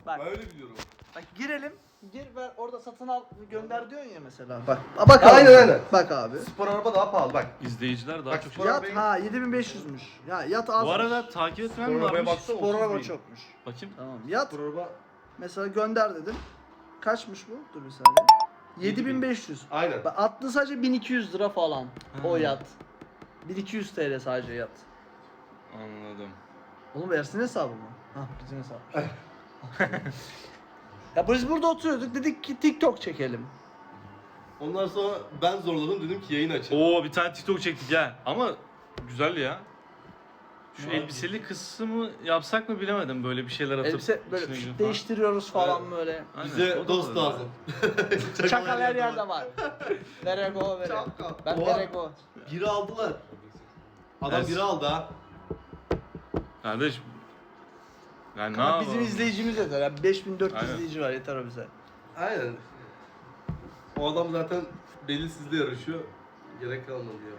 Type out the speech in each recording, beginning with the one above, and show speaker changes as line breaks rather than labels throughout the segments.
Bak.
Ben öyle biliyorum.
Bak girelim. Gir ver orada satın al gönder diyorsun ya mesela. Bak abi.
Aynen.
Bak abi.
Spor araba daha pahalı bak.
İzleyiciler daha
Bak,
çok
spor
şey.
Yat
arabayı-
ha 7500'müş. Ya yat az.
Bu arada takip etmem
Spor arabaya
varmış.
baksana.
spor
30
araba
bin.
çokmuş.
Bakayım.
Tamam yat.
Spor araba.
Mesela gönder dedim. Kaçmış bu? Dur bir saniye. 7500.
Aynen.
Bak attı sadece 1200 lira falan. O
Ha.
yat. 1200 TL sadece yat.
Anladım.
Oğlum versin hesabı mı? Hah bizim hesap. Ya biz burada oturuyorduk dedik ki TikTok çekelim.
Ondan sonra ben zorladım dedim ki yayın açın.
Oo bir tane TikTok çektik ya. Ama güzel ya. Şu
Ne
elbiseli kısmı yapsak mı bilemedim, böyle bir şeyler atıp
Elbise böyle
içine girip
değiştiriyoruz falan
Evet.
böyle.
Aynen, o
Bize
da
dost
olabilir.
lazım.
Çakal her yerde var. Verego vere.
Çakal.
Ben
Oha.
verego.
Biri aldılar. Adam
Evet.
biri aldı ha.
Kardeş. Yani ne
Ama
yapalım?
bizim izleyicimiz yeter. Yani 5400
Aynen.
izleyici var yeter o bize.
Aynen. O adam zaten belirsizle yarışıyor. Gerek kalmadı ya.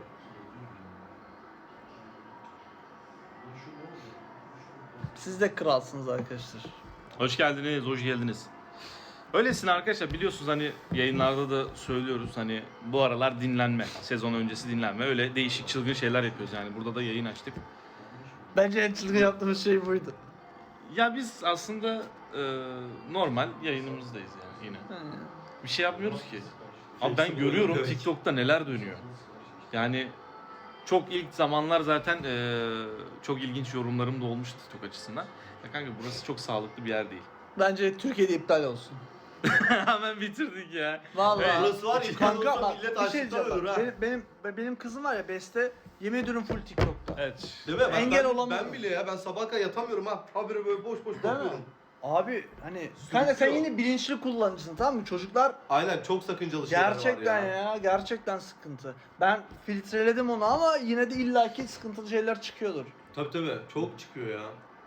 Siz de kralsınız arkadaşlar.
Hoş geldiniz, hoş geldiniz. Öylesin arkadaşlar, biliyorsunuz hani yayınlarda da söylüyoruz, hani bu aralar dinlenme, sezon öncesi dinlenme, öyle değişik çılgın şeyler yapıyoruz yani. Burada da yayın açtık.
Bence en çılgın yaptığımız şey buydu.
Ya biz aslında normal yayınımızdayız yani yine. Bir şey yapmıyoruz ki. Abi ben görüyorum
Evet.
TikTok'ta neler dönüyor. Yani çok ilk zamanlar zaten çok ilginç yorumlarım da olmuştu TikTok açısından. Ya kanka burası çok sağlıklı bir yer değil.
Bence Türkiye'de iptal olsun.
Hemen bitirdik ya.
Vallahi.
Burası var ya,
Kanka
olsa
bak
millet
bir şey
açlıktan
diyeceğim
ölür
bak.
ha.
Benim kızım var ya Beste yemin ediyorum full TikTok'ta.
Evet.
Değil mi?
Engel
ben,
olamıyorum.
Ben bile ya, ben sabah kadar yatamıyorum ha. Habire böyle boş boş
Değil mi?
bakıyorum.
Abi hani kanka sen yine bilinçli kullanıcısın tamam mı? Çocuklar
Aynen, çok sakıncalı şeyler
gerçekten
var ya.
ya gerçekten sıkıntı. Ben filtreledim onu ama yine de illaki sıkıntılı şeyler çıkıyordur.
Tabii çok çıkıyor ya.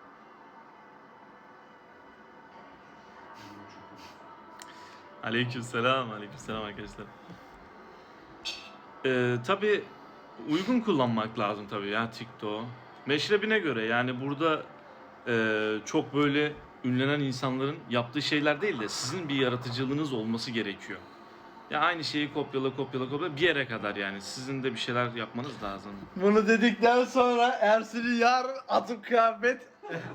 Aleykümselam, aleykümselam arkadaşlar. Tabii uygun kullanmak lazım tabii ya TikTok'u. Meşrebine göre yani burada çok böyle ünlenen insanların yaptığı şeyler değil de sizin bir yaratıcılığınız olması gerekiyor. Ya aynı şeyi kopyala bir yere kadar yani. Sizin de bir şeyler yapmanız lazım.
Bunu dedikten sonra Ersin'in yarın atıp kıyafet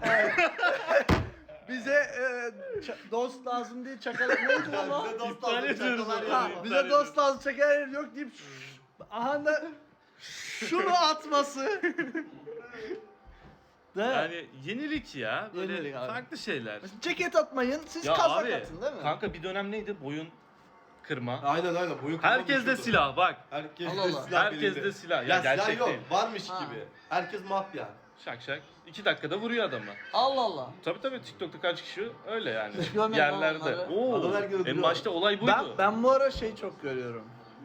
bize dost lazım diye çakal neydi lan o?
Bize dost
İptal
lazım,
ediyoruz
çakalar
onu.
Ha,
yani.
bize dost lazım çakal yok deyip aha da şunu atması. Değil mi?
Yani yenilik ya. Böyle
Yenilik abi.
farklı şeyler.
Mesela ceket atmayın siz
Ya
kazak
abi,
atın değil mi?
kanka bir dönem neydi? Boyun kırma.
Aynen. Boyun
Herkes de
kullanışıyordu.
silah bak.
Herkes
Allah
de
Allah.
silah
Herkes
belinde.
de silah.
Ya
Ya
silah
gerçek
yok.
değil.
Varmış
Ha.
gibi. Herkes mafya.
Şak şak. 2 dakikada vuruyor adamı.
Allah Allah.
Tabii TikTok'ta kaç kişi öyle yani.
Hiç görmedim
Yerlerde.
onları.
Oo.
Adam her gün
En
öldürüyor.
başta olay buydu.
Ben bu ara şey çok görüyorum.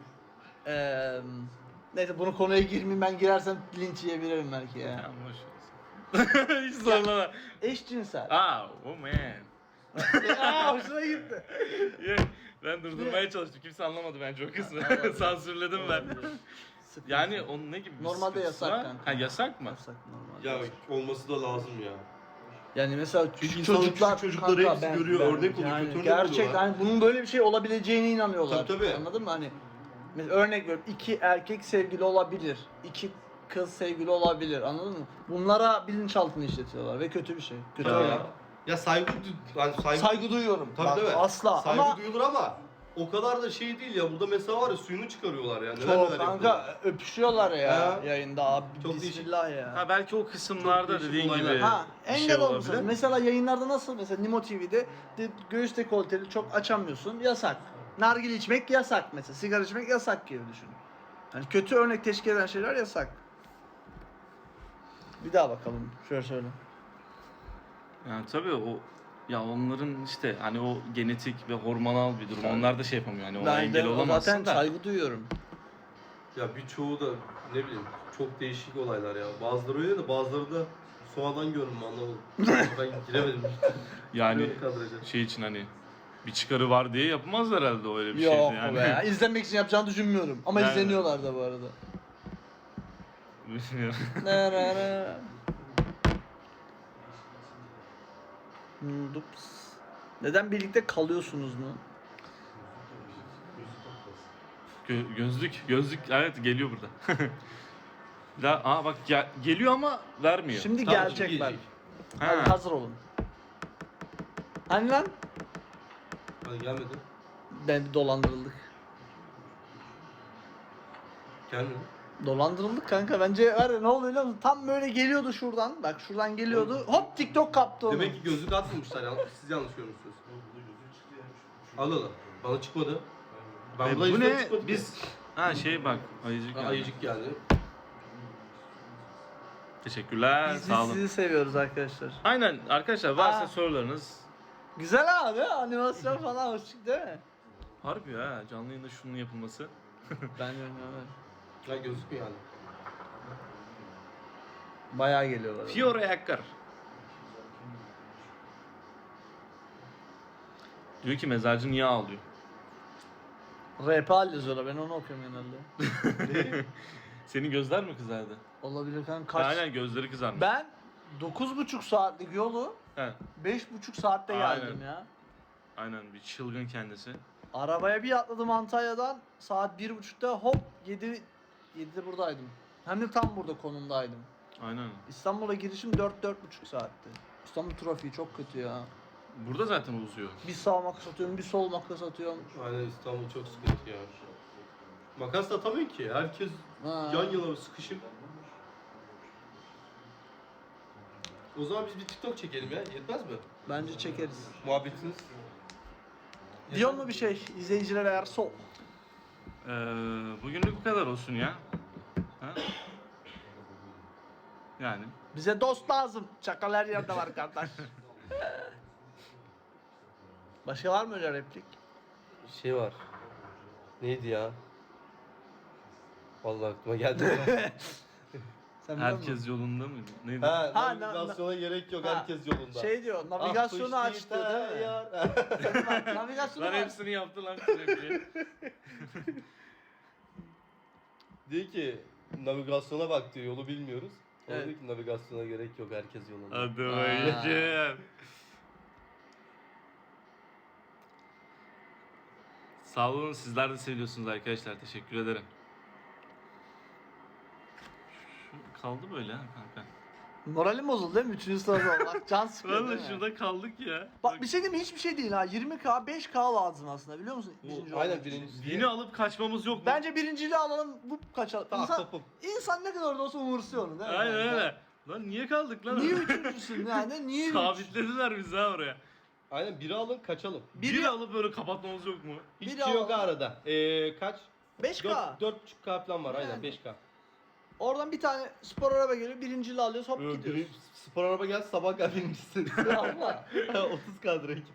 Neyse bunu konuya girmeyeyim ben girersem linç yiyebilirim belki ya.
Tamam, boş ver. Hiç zorlama.
Eşcinsel.
Oh man.
Hoşuna gitti.
Ya, ben durdurmaya çalıştım. Kimse anlamadı bence o kısmı.
Anladım.
Sansürledim ben.
Sıkıntı.
Yani onun ne gibi bir
Normalde
sıkıntısı
yasak
var?
kanka.
Ha yasak mı?
Yasak normalde.
Ya olması da lazım ya.
Yani mesela
Çünkü insanın küçük çocukları hepsi görüyor, örnek oluyor,
yani
kötü örnek
gerçekten
oluyorlar.
hani bunun böyle bir şey olabileceğine inanıyorlar.
Tabii.
Anladın mı? Hani mesela örnek veriyorum 2 erkek sevgili olabilir. 2 kız sevgili olabilir. Anladın mı? Bunlara bilinçaltını işletiyorlar ve kötü bir şey. Kötü
Ya,
örnek.
ya
Saygı duyuyorum.
Tabii
Bak,
değil mi?
asla
Saygı
ama
duyulur ama o kadar da şey değil ya. Burada mesela var ya, suyunu çıkarıyorlar ya. Neler
çok
neler yapıyorlar.
kanka öpüşüyorlar ya
Ha.
yayında abi.
Çok
Bismillah ya.
Ha belki o kısımlarda
Çok değişik
dediğin
olaylar.
gibi
Ha,
bir
engel
şey
olmuşsunuz.
olabilir.
Mesela yayınlarda nasıl? Mesela Nimo TV'de göğüs dekolteli çok açamıyorsun. Yasak. Nargile içmek yasak mesela. Sigara içmek yasak gibi düşün. Yani kötü örnek teşkil eden şeyler yasak. Bir daha bakalım. Şöyle söyle.
Yani tabii o, ya onların işte hani o genetik ve hormonal bir durum. Onlar da şey yapamıyor. Hani ona
Ben
engel
de
olamazsın
zaten
da.
saygı duyuyorum.
Ya birçoğu da ne bileyim çok değişik olaylar ya. Bazıları öyle de bazıları da sonradan görünüm, anlamadım. Ben giremedim.
Yani
Böyle kadraja.
şey için hani bir çıkarı var diye yapmaz herhalde o öyle bir
Yok
şeydi yani.
be. İzlenmek için yapacağını düşünmüyorum. Ama
Yani-
izleniyorlar da bu arada.
Bilmiyorum.
Ne ne ne. Dups. Neden birlikte kalıyorsunuz mu?
Gözlük evet geliyor burada. Bak geliyor ama vermiyor.
Şimdi
Tamam,
gelecek
şimdi
bak.
gelecek.
Hadi
Ha.
hazır olun. Hani lan?
Hadi gelmedi.
Ben bir dolandırıldık.
Gelmedi.
Dolandırıldık kanka. Bence var ya ne oluyor biliyor musun? Tam böyle geliyordu şuradan. Bak şuradan geliyordu. Hop TikTok kaptı onu.
Demek ki gözlük atmamışlar. Siz yanlış görmüşsünüz. Al al. Bana çıkmadı. Ben
Bu
yüzden
ne?
çıkmadı
Biz bak ayıcık.
ki.
geldi.
Ayıcık geldi.
Teşekkürler.
Biz
Sağ olun.
sizi seviyoruz arkadaşlar.
Aynen arkadaşlar varsa
Aa.
sorularınız.
Güzel abi animasyon falan hoş çıktı değil mi?
Harbi ya canlı yayında şunun yapılması.
Ben bilmiyorum.
Ya gözükmüyor yani.
Bayağı geliyorlar.
Fiore Yakkar. Diyor ki mezarcı niye ağlıyor?
RP yazıyorlar ben onu okuyorum genelde.
Senin gözler mi kızardı?
Olabilir kanka kaç?
Aynen gözleri kızarmış.
Ben 9,5 saatlik yolu
He,
5,5 saatte geldim
Aynen.
ya.
aynen bir çılgın kendisi.
Arabaya bir atladım Antalya'dan saat 1,5'ta hop 7'de buradaydım. Hem de tam burada konumdaydım.
Aynen.
İstanbul'a girişim 4-4,5 saatti. İstanbul trafiği çok kötü ya.
Burada zaten uzuyor.
Bir sağ makas atıyorum, bir sol makas atıyorum.
Aynen İstanbul çok sıkıntı ya. Makas da atamıyor ki. Herkes
Ha.
yan yana sıkışıp. O zaman biz bir TikTok çekelim ya. Yetmez mi?
Bence çekeriz.
Muhabbetiniz.
Diyor mu bir şey izleyicilere eğer sol?
Bugünlük bu kadar olsun ya. Ha? Yani.
Bize dost lazım. Çakal her yerde var kardeş. Başka var mı öyle replik?
Şey var. Neydi ya? Vallahi aklıma geldi.
Sen biliyor musun?
Herkes yolunda mıydı? Neydi?
Ha,
Ha,
navigasyona gerek yok.
Ha,
Herkes yolunda.
Şey diyor,
Ah,
navigasyonu
bu
açtı
işte
değil mi?
ya.
Bak, navigasyonu
Lan
aç.
hepsini yaptı lan sürekli.
Diyor ki navigasyona bak diyor. Yolu bilmiyoruz. O
Evet.
diyor ki navigasyona gerek yok. Herkes yolunda.
Hadi
Aa.
bakayım. Sağ olun sizler de seviyorsunuz arkadaşlar. Teşekkür ederim. Şu kaldı böyle ha kanka.
Moralim bozuldu değil mi? Üçüncü sırada olmak. Can sıkıyor
Valla
değil mi?
şurada kaldık ya.
Bak bir şey diyeyim mi? Hiçbir şey değil ha. 20K, 5K lazım aslında biliyor musun? Birinci
Aynen
olmak için.
birinci.
Yeni alıp kaçmamız yok mu?
Bence birinciliği alalım, bu kaçalım.
Tamam,
İnsan,
topum.
insan ne kadar da olsa umursuyor onu değil mi?
Aynen
Yani?
öyle. Lan niye kaldık lan?
Niye üçüncüsün yani? Niye üç?
Sabitlediler bizi ha oraya.
Aynen biri alın kaçalım.
Biri alıp böyle kapatmamız yok mu?
Hiçbir
Biri
şey yok
alalım.
arada. Kaç?
5K.
4,5K falan var aynen
Yani.
5K.
Oradan bir tane spor araba geliyor, birinciliği alıyoruz, hop gidiyoruz.
Spor araba gel sabah gel birincisi.
Allah.
30K direkt.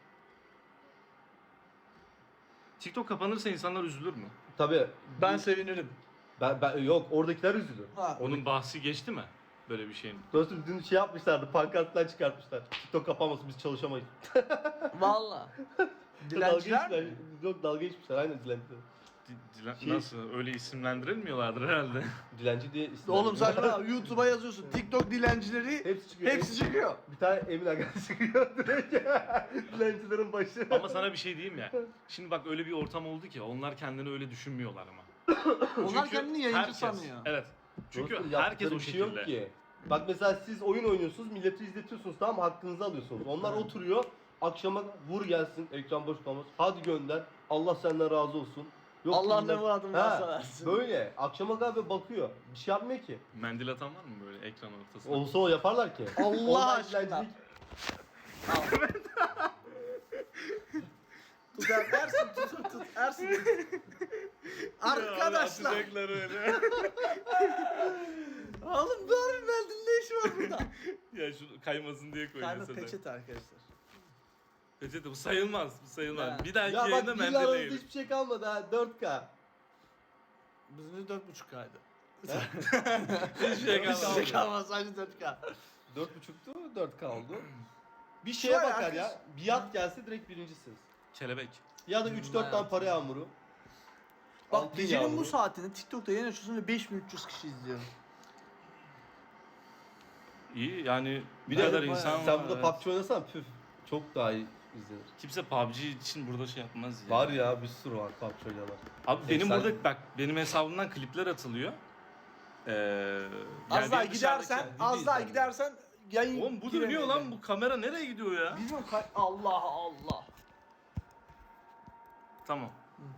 TikTok kapanırsa insanlar üzülür mü?
Tabii.
Ben sevinirim.
Ben yok oradakiler üzülür.
Ha.
Onun bahsi geçti mi? Böyle bir şeyin.
Dostum dün şey yapmışlardı, pankartlar çıkartmışlar. TikTok kapanmasın biz çalışamayız.
Valla.
Dalga
Dilenciler
geçmişler.
mi?
Yok dalga geçmişler aynen dilenciler. Şey-
Nasıl? Öyle isimlendirilmiyorlardır herhalde.
Dilenci diye isim.
Oğlum saçma YouTube'a yazıyorsun. TikTok dilencileri
Hepsi çıkıyor.
hepsi çıkıyor.
Bir tane Emin Aga çıkıyor direkt. Dilencilerin başı.
Ama sana bir şey diyeyim ya. Şimdi bak öyle bir ortam oldu ki onlar kendini öyle düşünmüyorlar ama.
Onlar
Çünkü
kendini yayıncı
herkes-
sanıyor.
Evet. Çünkü
Dostum,
herkes
yaptıkları
o
bir şey
şekilde.
yok ki. Bak mesela siz oyun oynuyorsunuz, milleti izletiyorsunuz tamam mı? Hakkınızı alıyorsunuz. Onlar oturuyor, akşama vur gelsin, ekran boş kalmaz. Hadi gönder, Allah senden razı olsun. Yok
Allah
bilmem-
ne muradın
Ha,
varsa versin.
Böyle, akşama kadar böyle bakıyor. Bir şey yapmıyor ki.
Mendil atan var mı böyle ekran ortasında?
Olsa o yaparlar ki.
Allah
Onlar
aşkına.
dilencilik-
Tut Ersin tut Ersin tut. Arkadaşlar.
Atacaklar öyle.
Oğlum doğru verdin ne işi var burada?
Ya şu kaymasın diye koy
Kayma
mesela.
peçete arkadaşlar.
Peçete bu sayılmaz. Bu sayılmaz.
Ha.
Bir dahaki
Ya bak
yayında
bizle
mendil
aranızda
yiyelim.
hiçbir şey kalmadı ha, 4K.
Bizim de 4,5K'ydı.
Hiçbir şey
Hiçbir şey
kalmadı.
kalmaz sadece 4K.
4,5'tu, 4K oldu. Bir
Şu
şeye
an
bakar
herkes-
ya, biat gelse direkt birincisiniz.
Kelebek.
Ya da 3-4 tane para yağmuru.
Bak
Altın
gecenin
yağmuru.
bu saatinde TikTok'ta yayın açıyorsun ve 5300 kişi izliyor.
İyi yani
Bir
bu
de
kadar insan
sen
var.
burada
evet.
PUBG oynasan püf çok daha iyi izlenir.
Kimse PUBG için burada şey yapmaz ya.
Var ya bir sürü var PUBG oynayanlar.
Abi benim
Efsane.
burada bak benim hesabımdan klipler atılıyor.
Az daha
benim
gidersen,
dışarıdaki-
az daha
izlenme.
gidersen yayın
Oğlum bu
giremiyor
dönüyor lan,
yani.
bu kamera nereye gidiyor ya?
Bilmiyorum Allah Allah.
Tamam.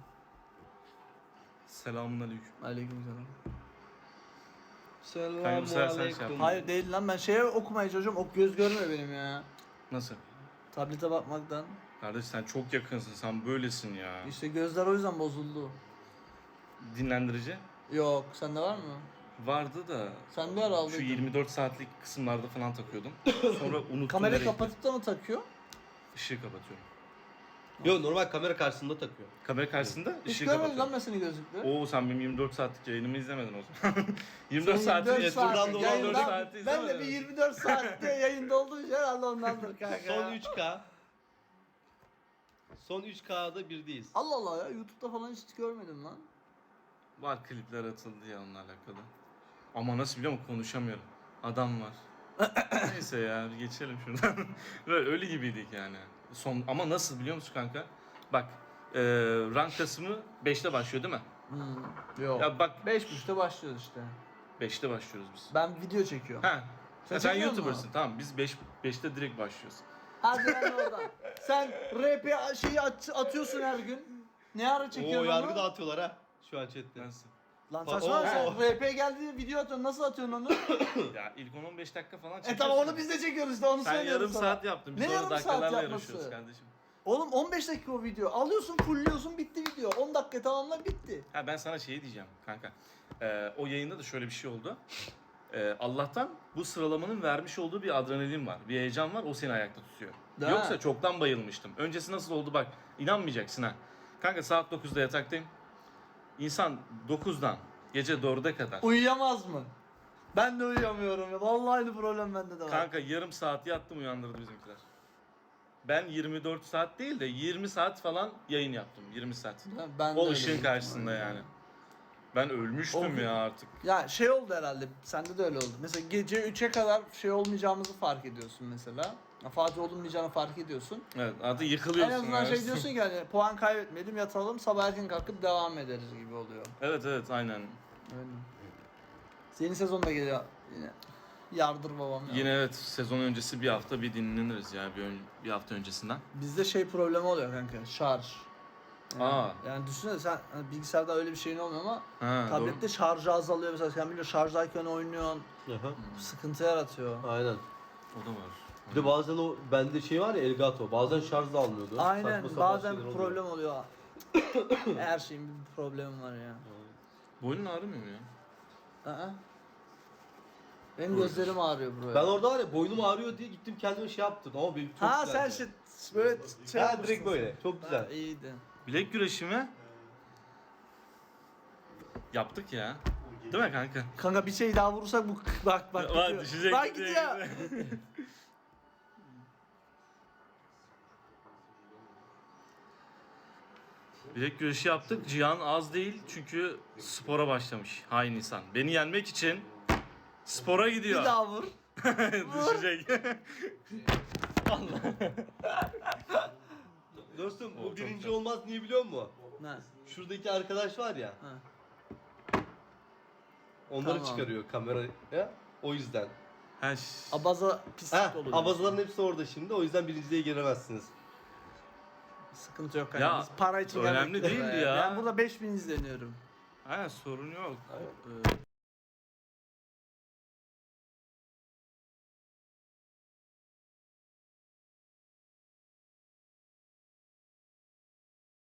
Selamünaleyküm.
Aleykümselam.
Kanka bu sefer sen şey yap.
Hayır değil lan, ben şeye okumaya çalışıyorum. Ok göz görmüyor benim ya.
Nasıl?
Tablete bakmaktan.
Kardeş sen çok yakınsın, sen böylesin ya.
İşte gözler o yüzden bozuldu.
Dinlendirici
Yok, sende var mı?
vardı da
Sen bir ara
şu
aldıydın.
24 saatlik kısımlarda falan takıyordum. Sonra unuttum.
Kamerayı
nereye
kapatıp da mı takıyor?
gitti. Işığı kapatıyorum.
Yok normal kamera karşısında takıyor.
Kamera karşısında
Hiç
ışığı
görmedim lan
kapatıyorum.
ben seni gözlükle.
Oo sen benim 24 saatlik yayınımı izlemedin o zaman. 24
Sen
saati
24
yetimden
saat
dolan
yayında-
4 saati
Ben de
izlemedin.
bir 24 saatte yayında olduğum için herhalde ondandır kanka.
Son 3K. Son 3K'da birdeyiz.
Allah Allah ya, YouTube'da falan hiç görmedim lan.
Var klipler atıldı ya onunla alakalı. Ama nasıl biliyor musun, konuşamıyorum. Adam var. Neyse ya geçelim şuradan. Böyle ölü gibiydik yani. Son ama nasıl biliyor musun kanka? Bak rank kasımı 5'te başlıyor değil mi?
Yok.
Ya bak
5.30'da başlıyoruz işte.
5'te başlıyoruz biz.
Ben video çekiyorum.
Ha.
Sen
Sen
çekiyor musun?
YouTuber'sın tamam, biz 5'te direkt başlıyoruz.
Hadi lan oradan. Sen RP şeyi atıyorsun her gün. Ne ara
Oo
çekiyorsun
yargı
onu?
dağıtıyorlar ha. Şu an chatte.
Nasıl?
Lan
Oo.
saçma, sen RP geldi video atıyorsun, nasıl atıyorsun onu?
Ya ilk 10-15 dakika falan çekiyorsun.
Tamam, onu biz de çekiyoruz işte, onu
Sen
söylüyorum
yarım
sana.
saat yaptın. Biz
Ne
orada
yarım saat
dakikalarla
yapması?
yarışıyoruz kardeşim.
Oğlum 15 dakika o video. Alıyorsun, fullliyorsun, bitti video. 10 dakika tamamla, bitti.
Ha ben sana şey diyeceğim kanka. O yayında da şöyle bir şey oldu. Allah'tan bu sıralamanın vermiş olduğu bir adrenalin var. Bir heyecan var, o seni ayakta tutuyor.
Değil
Yoksa
mi?
çoktan bayılmıştım. Öncesi nasıl oldu bak, inanmayacaksın ha. Kanka saat 9'da yataktayım. İnsan 9'dan gece 4'e kadar.
Uyuyamaz mı? Ben de uyuyamıyorum ya. Vallahi aynı problem bende de var.
Kanka yarım saat yattım, uyandırdı bizimkiler. Ben 24 saat değil de 20 saat falan yayın yaptım. 20 saat.
Ben de
O
öyle
ışığın
büyük
karşısında
ihtimalle.
yani. Ben ölmüştüm
O-
ya artık.
Ya şey oldu herhalde, sende de öyle oldu. Mesela gece 3'e kadar şey olmayacağımızı fark ediyorsun mesela. Ya Fatih olmayacağını fark ediyorsun.
Evet artık
En
yıkılıyorsun.
azından
ya.
şey diyorsun ki hani puan kaybetmeyelim, yatalım, sabah erken kalkıp devam ederiz gibi oluyor.
Evet evet aynen.
Öyle. Yeni sezon da geliyor yine. Yardır babam ya.
Yine evet, sezon öncesi bir hafta bir dinleniriz ya bir hafta öncesinden.
Bizde şey problemi oluyor kanka, şarj. Yani,
Aa.
yani düşünsene sen hani bilgisayarda öyle bir şeyin olmuyor ama
Ha,
tablette şarjı azalıyor mesela, sen biliyorsun şarjdayken oynuyorsun,
Aha.
sıkıntı yaratıyor.
Aynen.
O da var.
Bir de bazen o bende şey var ya Elgato. Bazen şarj da almıyordu.
Aynen,
Saçma sapan
bazen
şeyler oluyor.
problem oluyor. Her şeyin bir problemi var ya.
Boynun ağrımıyor mu ya?
Aa. Benim gözlerim ağrıyor buraya.
Ben orada var ya boynum ağrıyor diye gittim kendime şey yaptım ama benim çok
Ha
güzeldi.
sen böyle şey
Ha,
yapmışsın
direkt böyle. Çok
sen.
güzel.
Ha, iyiydi.
Bilek güreşi mi? Yaptık ya. Değil mi kanka?
Kanka bir şey daha vurursak bu bak
Bak,
gidiyor.
düşecek
Bak
diye
gidiyor.
Bilek güreşi yaptık. Cihan az değil çünkü spora başlamış. Hain insan. Beni yenmek için spora gidiyor.
Bir daha vur.
Düşecek.
Dostum
O
bu
çok
birinci
güzel.
olmaz niye biliyor musun?
Ne?
Şuradaki arkadaş var ya.
Ha.
Onları
Tamam.
çıkarıyor kameraya. O yüzden.
Ha,
Abaza pislik
Ha,
oluyor.
abazaların hepsi orada şimdi. O yüzden birinciliğe giremezsiniz.
Sıkıntı yok kanka.
Ya,
Biz para için
önemli
gelmedik
değil
buraya.
ya.
Ben burada 5000 izleniyorum.
ha, sorun yok.